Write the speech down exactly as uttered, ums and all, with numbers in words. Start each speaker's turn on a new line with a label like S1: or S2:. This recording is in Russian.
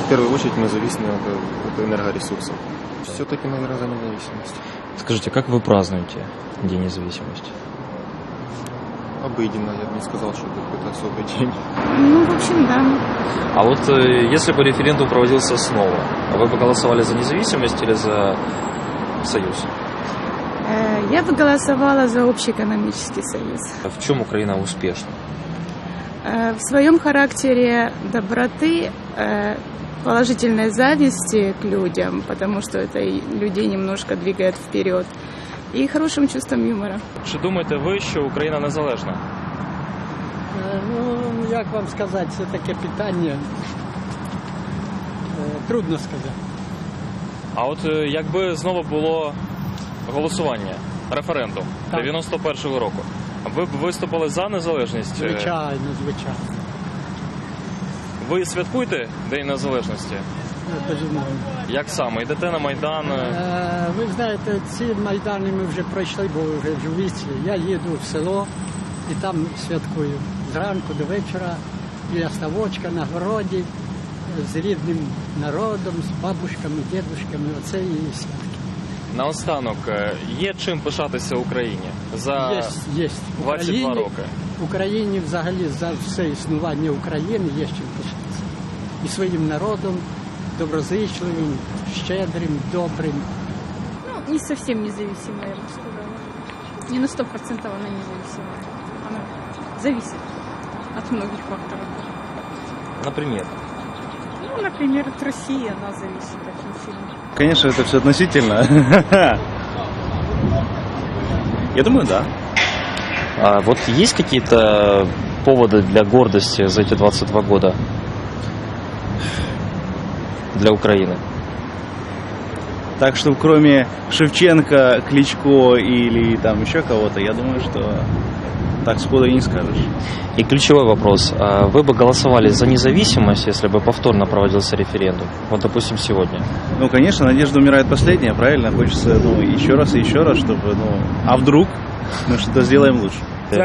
S1: в первую очередь мы зависим от, от энергоресурсов. Все-таки, наверное, за независимость.
S2: Скажите, как вы празднуете День независимости?
S1: Обыденно, я бы не сказал, что это какой-то особый день.
S3: Ну, в общем, да.
S2: А вот э, если бы референдум проводился снова, вы бы голосовали за независимость или за союз?
S3: Э, Я бы голосовала за общеэкономический союз.
S2: В чем Украина успешна?
S3: Э, В своем характере доброты, э, положительной зависти к людям, потому что это и людей немножко двигает вперед, и хорошим чувством юмора.
S2: Чи думаєте ви, що Україна незалежна?
S4: Е, Ну, як вам сказати, це таке питання. Е, Трудно сказати.
S2: А от е, якби знову було голосування, референдум
S4: Так.
S2: дев'яносто першого року, ви б виступили за незалежність?
S4: Звичайно, звичайно.
S2: Ви святкуєте День Незалежності?
S4: Е, Безумовно.
S2: Як саме? Йдете на Майдан?
S4: Е, Ви знаєте, ці майдани ми вже пройшли, бо вже в віці. Я їду в село і там святкую. Зранку до вечора, біля ставочка, на городі, з рідним народом, з бабушками, дідушками. Оце і святки.
S2: Наостанок, е, є чим пишатися Україні за
S4: Є, є. В
S2: двадцять два
S4: Україні-
S2: роки?
S4: В Україні взагалі за все існування України є чим пишатися. І своїм народом, доброзичливим, щедрим, добрим.
S5: Ну, не совсем независимая, я бы сказала. Не на сто процентов она независимая. Она зависит от многих факторов.
S2: Наприклад?
S5: Ну, например, от России она зависит очень сильно.
S6: Конечно, это все относительно. Я думаю, да.
S2: А вот есть какие-то поводы для гордости за эти двадцать два года для Украины?
S6: Так что кроме Шевченко, Кличко или там еще кого-то, я думаю, что так сходу и не скажешь.
S2: И ключевой вопрос. А вы бы голосовали за независимость, если бы повторно проводился референдум? Вот, допустим, сегодня.
S6: Ну, конечно, надежда умирает последняя, правильно? Хочется, ну, еще раз и еще раз, чтобы, ну, а вдруг мы что-то сделаем лучше.